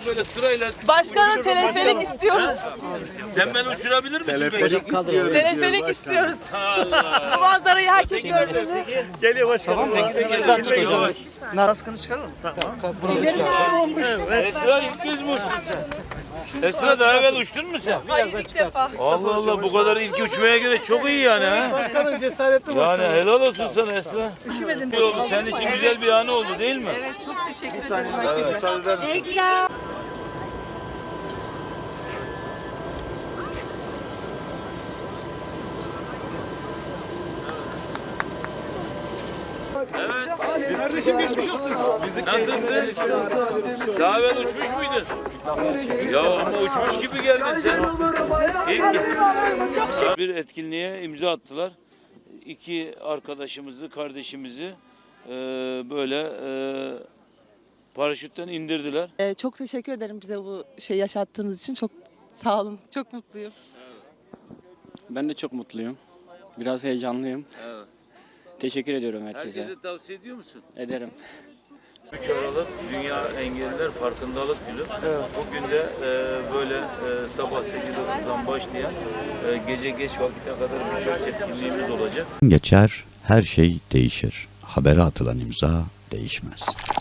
hepimizi böyle sırayla... Başkanım teleferik istiyoruz. Sen beni uçurabilir misin? Teleferik istiyoruz. Teleferik istiyoruz. Allah. Bu manzarayı herkes gördü. Geliyor başkanım. Yavaş. Kaskını çıkaralım. Tamam. Esra ilk kez mi uçtun sen? Esra daha evvel uçtun mu sen? Hayır ilk defa. Allah Allah, bu kadar ilk uçmaya göre çok iyi yani ha. Başkanım cesaretli Yani helal olsun sana Esra. Üşümedim. İyi oldu. Senin için güzel bir anı oldu değil mi? Evet çok teşekkür ederim. Kardeşim geçmiş olsun. Nasılsın? Daha evvel uçmuş muydun? Ya ama uçmuş gibi geldin sen. Bir etkinliğe imza attılar. İki arkadaşımızı, kardeşimizi böyle paraşütten indirdiler. Çok teşekkür ederim bize bu şey yaşattığınız için. Çok sağ olun. Çok mutluyum. Ben de çok mutluyum. Biraz heyecanlıyım. Evet. Teşekkür ediyorum herkese. Herkese tavsiye ediyor musun? Ederim. 3 Aralık Dünya Engelliler Farkındalık Günü. Bugün de böyle sabah 8.30'dan başlayan gece geç vakite kadar birçok etkinliğimiz olacak. Geçer, her şey değişir. Habere atılan imza değişmez.